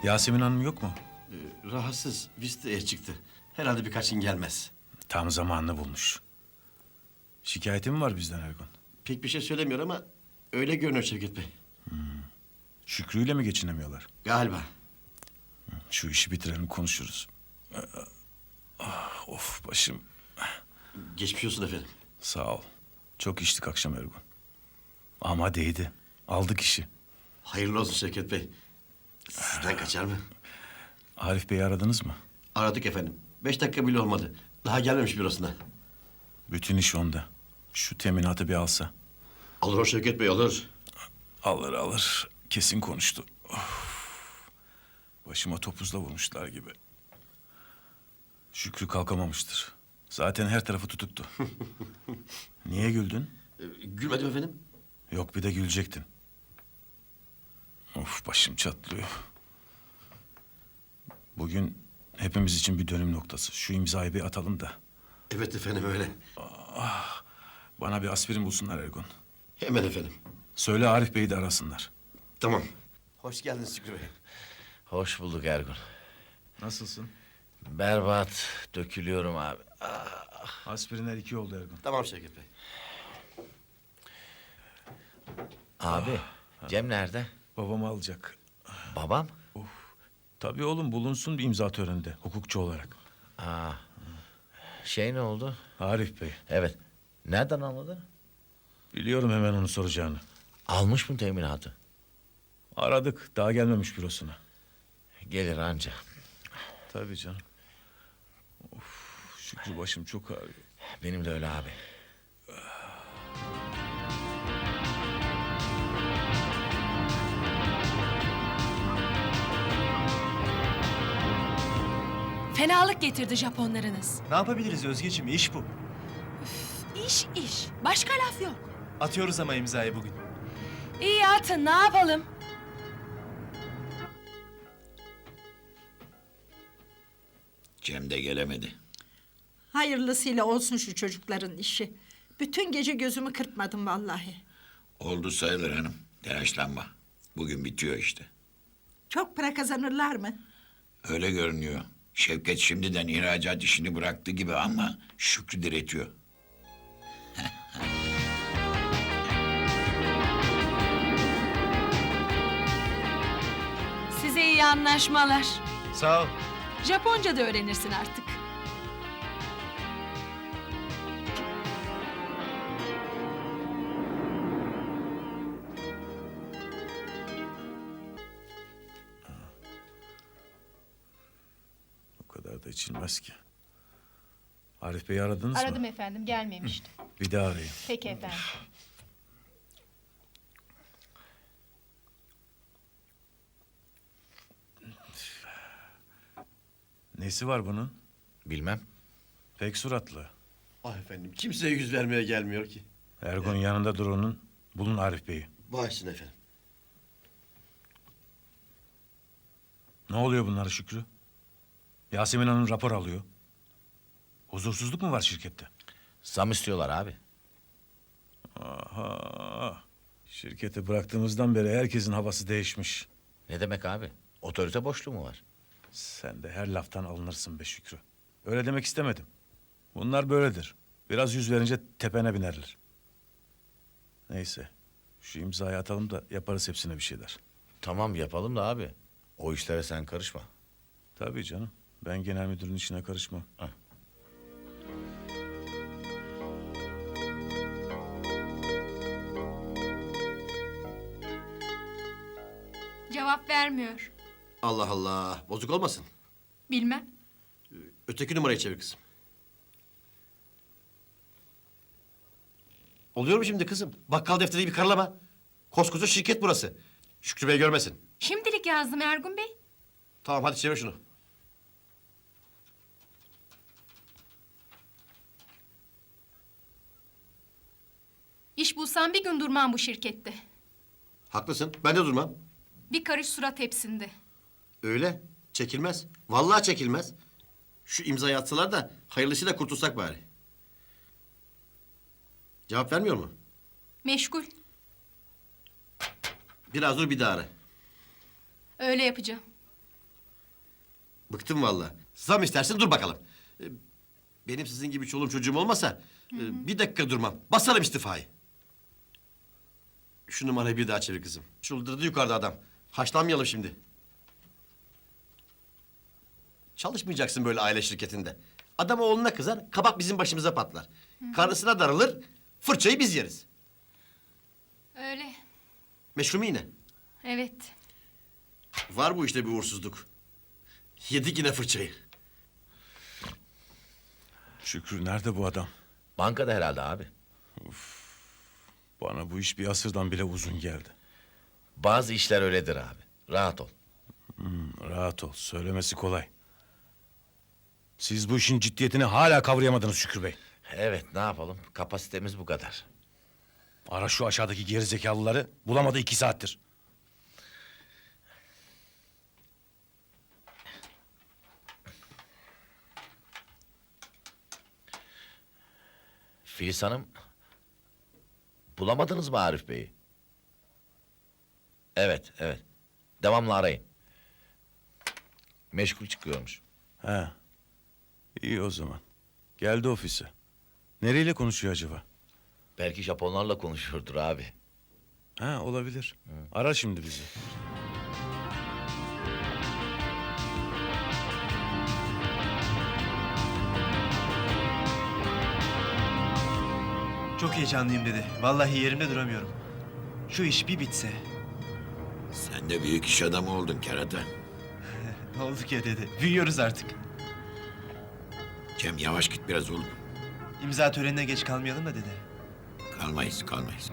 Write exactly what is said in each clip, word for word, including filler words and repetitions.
Yasemin Hanım yok mu? Ee, rahatsız, visteye çıktı. Herhalde birkaç gün gelmez. Tam zamanını bulmuş. Şikayeti mi var bizden Ergun? Pek bir şey söylemiyor ama öyle görünüyor Şevket Bey. Şükrü'yle mi geçinemiyorlar? Galiba. Şu işi bitirelim konuşuruz. Ah, of başım. Geçmiş olsun efendim. Sağ ol. Çok içtik akşam Ergun. Ama değdi. Aldık işi. Hayırlı olsun Şevket Bey. Sizden kaçar mı? Arif Bey'i aradınız mı? Aradık efendim. Beş dakika bile olmadı. Daha gelmemiş bürosuna. Bütün iş onda. Şu teminatı bir alsa. Alır o Şevket Bey, alır. Alır alır. Kesin konuştu. Of. Başıma topuzla vurmuşlar gibi. Şükrü kalkamamıştır. Zaten her tarafı tutuktu. Niye güldün? Ee, gülmedim efendim. Yok bir de gülecektin. Of başım çatlıyor. Bugün hepimiz için bir dönüm noktası. Şu imzayı bir atalım da. Evet efendim, öyle. Bana bir aspirin bulsunlar Ergun. Hemen efendim. Söyle Arif Bey'i de arasınlar. Tamam. Hoş geldiniz Şükrü Bey. Hoş bulduk Ergun. Nasılsın? Berbat, dökülüyorum abi. Aspirinler iki oldu Ergun. Tamam Şevket Bey. Abi, Cem nerede? Babamı alacak. Babam? Tabii oğlum bulunsun bir imza töreninde hukukçu olarak. Aa, şey ne oldu? Arif Bey. Evet, nereden anladın? Biliyorum hemen onu soracağını. Almış mı teminatı? Aradık daha gelmemiş bürosuna. Gelir anca. Tabii canım. Of, Şükrü başım çok ağrıyor. Benim de öyle abi. Fenalık getirdi Japonlarınız. Ne yapabiliriz Özgeciğim? İş bu. İş iş. Başka laf yok. Atıyoruz ama imzayı bugün. İyi atın, ne yapalım? Cem de gelemedi. Hayırlısıyla olsun şu çocukların işi. Bütün gece gözümü kırpmadım vallahi. Oldu sayılır hanım. Telaşlanma. Bugün bitiyor işte. Çok para kazanırlar mı? Öyle görünüyor. Şevket şimdiden ihracat işini bıraktı gibi ama Şükrü diretiyor. Size iyi anlaşmalar. Sağ ol. Japonca da öğrenirsin artık. O kadar da içilmez ki. Arif Bey'i aradınız mı? Aradım efendim, gelmemişti. Bir daha arayın. Peki efendim. Nesi var bunun? Bilmem. Pek suratlı. Ah efendim, kimseye yüz vermeye gelmiyor ki. Ergun yanında dur onun. Bulun Arif Bey'i. Bağışsın efendim. Ne oluyor bunlara Şükrü? Yasemin Hanım rapor alıyor. Huzursuzluk mu var şirkette? Zam istiyorlar abi. Aha. Şirketi bıraktığımızdan beri herkesin havası değişmiş. Ne demek abi? Otorite boşluğu mu var? Sen de her laftan alınırsın be Şükrü. Öyle demek istemedim. Bunlar böyledir. Biraz yüz verince tepene binerler. Neyse. Şu imzayı atalım da yaparız hepsine bir şeyler. Tamam yapalım da abi. O işlere sen karışma. Tabii canım. Ben genel müdürün işine karışmam. Heh. Cevap vermiyor. Allah Allah, bozuk olmasın. Bilmem. Öteki numarayı çevir kızım. Oluyor mu şimdi kızım? Bakkal defteri bir karalama. Koskoca şirket burası. Şükrü Bey görmesin. Şimdilik yazdım Ergun Bey. Tamam, hadi çevir şunu. İş bulsam bir gün durmam bu şirkette. Haklısın, ben de durmam. Bir karış surat hepsinde. Öyle, çekilmez. Vallahi çekilmez. Şu imzayı atsalar da hayırlısıyla kurtulsak bari. Cevap vermiyor mu? Meşgul. Biraz dur, bir daha ara. Öyle yapacağım. Bıktım vallahi. Zam istersin dur bakalım. Ee, Benim sizin gibi çoluğum çocuğum olmasa e, bir dakika durmam. Basarım istifayı. Şu numarayı bir daha çevir kızım. Çıldırdı yukarıda adam. Haşlanmayalım şimdi. Çalışmayacaksın böyle aile şirketinde. Adam oğluna kızar, kabak bizim başımıza patlar. Karısına darılır, fırçayı biz yeriz. Öyle. Meşru mu yine? Evet. Var bu işte bir uğursuzluk. Yedik yine fırçayı. Şükrü nerede bu adam? Bankada herhalde abi. Bana bu iş bir asırdan bile uzun geldi. Bazı işler öyledir abi. Rahat ol. Rahat ol, söylemesi kolay. Siz bu işin ciddiyetini hala kavrayamadınız Şükrü Bey. Evet, ne yapalım? Kapasitemiz bu kadar. Ara şu aşağıdaki gerizekalıları, bulamadı iki saattir. Filiz Hanım, bulamadınız mı Arif Bey'i? Evet, evet. Devamlı arayın. Meşgul çıkıyormuş. He. İyi o zaman. Geldi ofise. Nereyle konuşuyor acaba? Belki Japonlarla konuşuyordur abi. Ha olabilir. Ara şimdi bizi. Çok heyecanlıyım dedi. Vallahi yerimde duramıyorum. Şu iş bir bitse. Sen de büyük iş adamı oldun kerata. Ne olduk ya dedi. Büyüyoruz artık. Cem yavaş git biraz oğlum. İmza törenine geç kalmayalım da dedi. Kalmayız, kalmayız.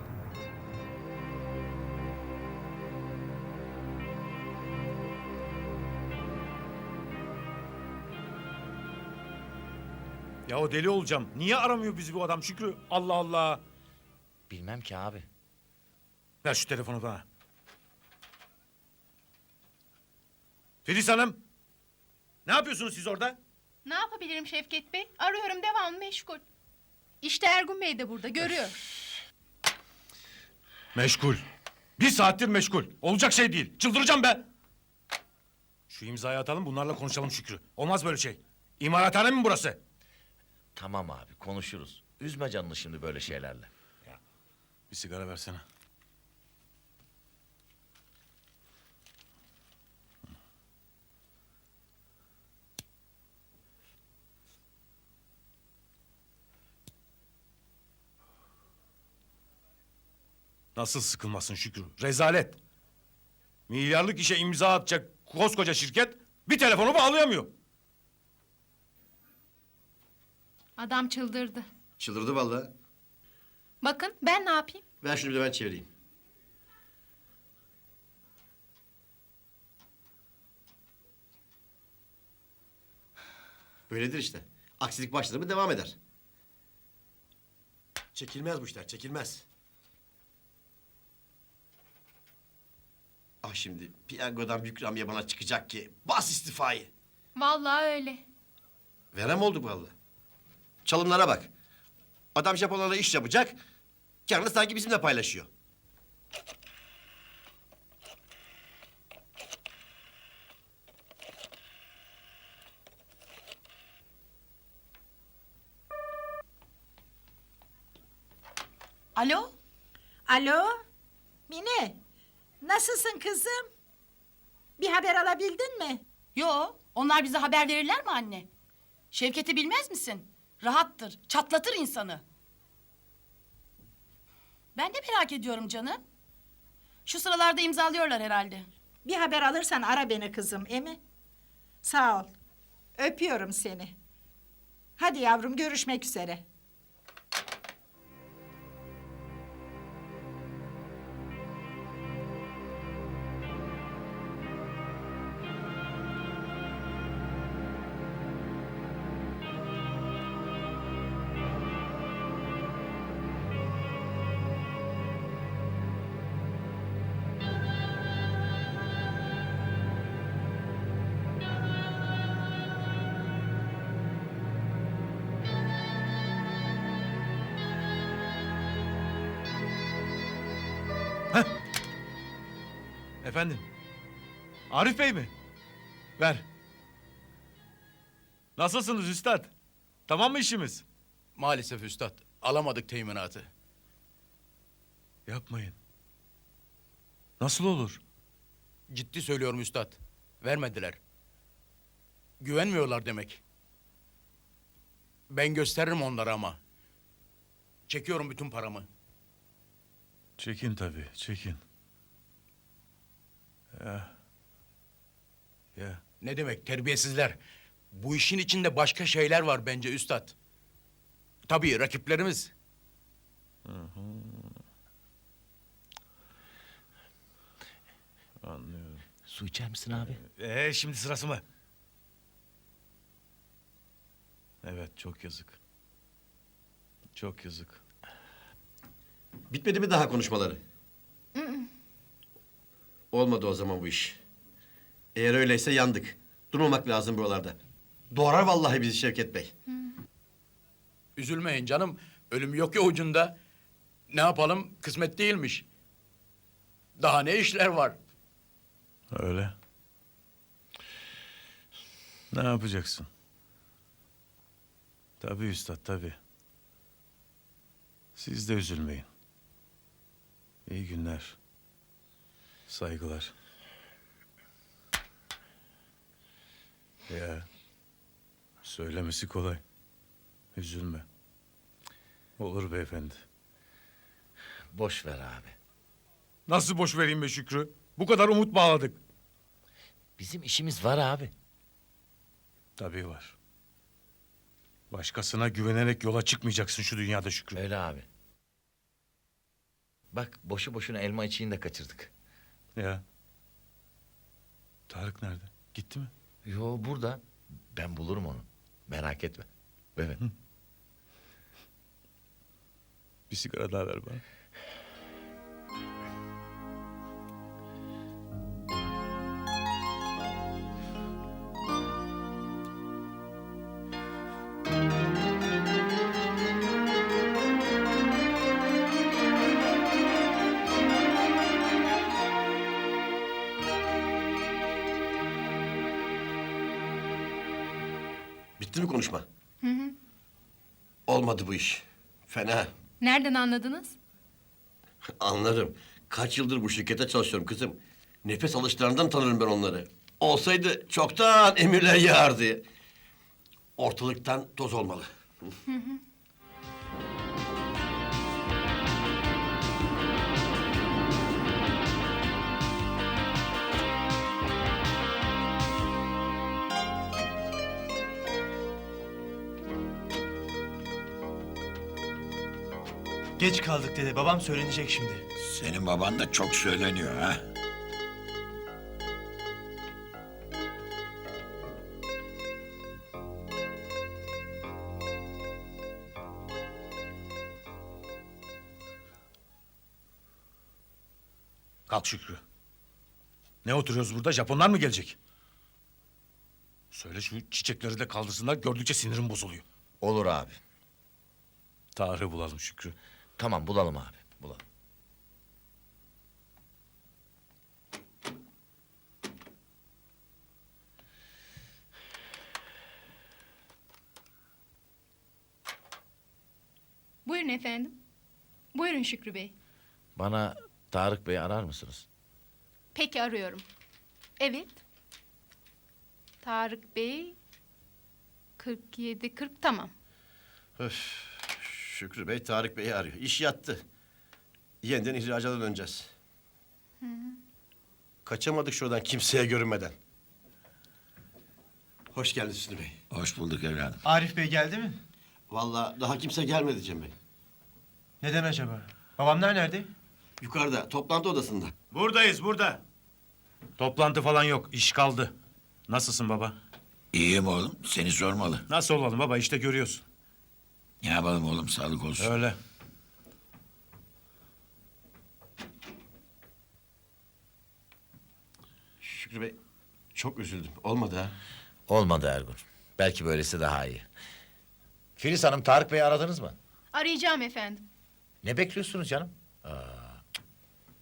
Ya o deli olacağım. Niye aramıyor bizi bu adam Şükrü? Allah Allah. Bilmem ki abi. Ver şu telefonu bana. Filiz Hanım. Ne yapıyorsunuz siz orada? Ne yapabilirim Şevket Bey? Arıyorum devamlı meşgul. İşte Ergun Bey de burada görüyor. Meşgul. Bir saattir meşgul. Olacak şey değil. Çıldıracağım ben. Şu imzayı atalım bunlarla konuşalım Şükrü. Olmaz böyle şey. İmarathane mi burası? Tamam abi, konuşuruz. Üzme canını şimdi böyle şeylerle. Bir sigara versene. Nasıl sıkılmasın Şükrü? Rezalet. Milyarlık işe imza atacak koskoca şirket bir telefonu bağlayamıyor. Adam çıldırdı. Çıldırdı vallahi. Bakın ben ne yapayım? Ver şunu bir de ben çevireyim. Böyledir işte. Aksilik başladı mı devam eder. Çekilmez bu işler, çekilmez. Ah şimdi piyangodan büyük ikramiye bana çıkacak ki. Bas istifayı. Vallahi öyle. Verem oldu vallahi. Çalımlara bak. Adam Japonlarla iş yapacak. Karını sanki bizimle paylaşıyor. Alo? Alo? Mine, nasılsın kızım? Bir haber alabildin mi? Yo, onlar bize haber verirler mi anne? Şevket'i bilmez misin? Rahattır, çatlatır insanı. Ben de merak ediyorum canım. Şu sıralarda imzalıyorlar herhalde. Bir haber alırsan ara beni kızım, emi? Sağ ol. Öpüyorum seni. Hadi yavrum, görüşmek üzere. Efendim? Arif Bey mi? Ver. Nasılsınız üstad? Tamam mı işimiz? Maalesef üstad, alamadık teminatı. Yapmayın. Nasıl olur? Ciddi söylüyorum üstad, vermediler. Güvenmiyorlar demek. Ben gösteririm onlara ama. Çekiyorum bütün paramı. Çekin tabii, çekin. Ya. Ya. Ne demek terbiyesizler? Bu işin içinde başka şeyler var bence üstad. Tabii rakiplerimiz. Anlıyorum. Su içer misin abi? Ee, şimdi sırası mı? Evet, çok yazık. Çok yazık. Bitmedi mi daha konuşmaları? Olmadı o zaman bu iş. Eğer öyleyse yandık. Durmamak lazım buralarda. Doğrar vallahi bizi Şevket Bey. Üzülmeyin canım. Ölüm yok ya ucunda. Ne yapalım? Kısmet değilmiş. Daha ne işler var? Öyle. Ne yapacaksın? Tabii üstad, tabii. Siz de üzülmeyin. İyi günler. Saygılar. Ya, söylemesi kolay. Üzülme. Olur beyefendi. Boş ver abi. Nasıl boş vereyim be Şükrü? Bu kadar umut bağladık. Bizim işimiz var abi. Tabii var. Başkasına güvenerek yola çıkmayacaksın şu dünyada Şükrü. Öyle abi. Bak boşu boşuna elma içiğini de kaçırdık. Ya. Tarık nerede? Gitti mi? Yo burada. Ben bulurum onu. Merak etme. Evet. Bir sigara daha ver bana. Bitti mi konuşma? Hı hı. Olmadı bu iş. Fena. Nereden anladınız? Anlarım. Kaç yıldır bu şirkete çalışıyorum kızım. Nefes alışlarından tanırım ben onları. Olsaydı çoktan emirler yağardı. Ortalıktan toz olmalı. Geç kaldık dede. Babam söylenecek şimdi. Senin baban da çok söyleniyor ha. Kalk Şükrü. Ne oturuyoruz burada? Japonlar mı gelecek? Söyle şu çiçekleri de kaldırsınlar. Gördükçe sinirim bozuluyor. Olur abi. Tarık'ı bulalım Şükrü. Tamam bulalım abi. Bulalım. Buyurun efendim. Buyurun Şükrü Bey. Bana Tarık Bey'i arar mısınız? Peki arıyorum. Evet. Tarık Bey. kırk yedi kırk tamam. Öf. Şükrü Bey Tarık Bey'i arıyor. İş yattı. Yeniden ihracata döneceğiz. Kaçamadık şuradan kimseye görünmeden. Hoş geldiniz Hüsnü Bey. Hoş bulduk evladım. Arif Bey geldi mi? Vallahi daha kimse gelmedi Cem Bey. Neden acaba? Babamlar nerede? Yukarıda toplantı odasında. Buradayız, burada. Toplantı falan yok. İş kaldı. Nasılsın baba? İyiyim oğlum. Seni sormalı. Nasıl olalım baba? İşte görüyorsun. Ne yapalım oğlum? Sağlık olsun. Öyle. Şükrü Bey çok üzüldüm. Olmadı ha. Olmadı Ergun. Belki böylesi daha iyi. Filiz Hanım Tarık Bey'i aradınız mı? Arayacağım efendim. Ne bekliyorsunuz canım?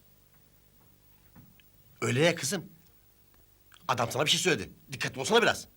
Öyle ya kızım. Adam sana bir şey söyledi. Dikkatli olsana biraz.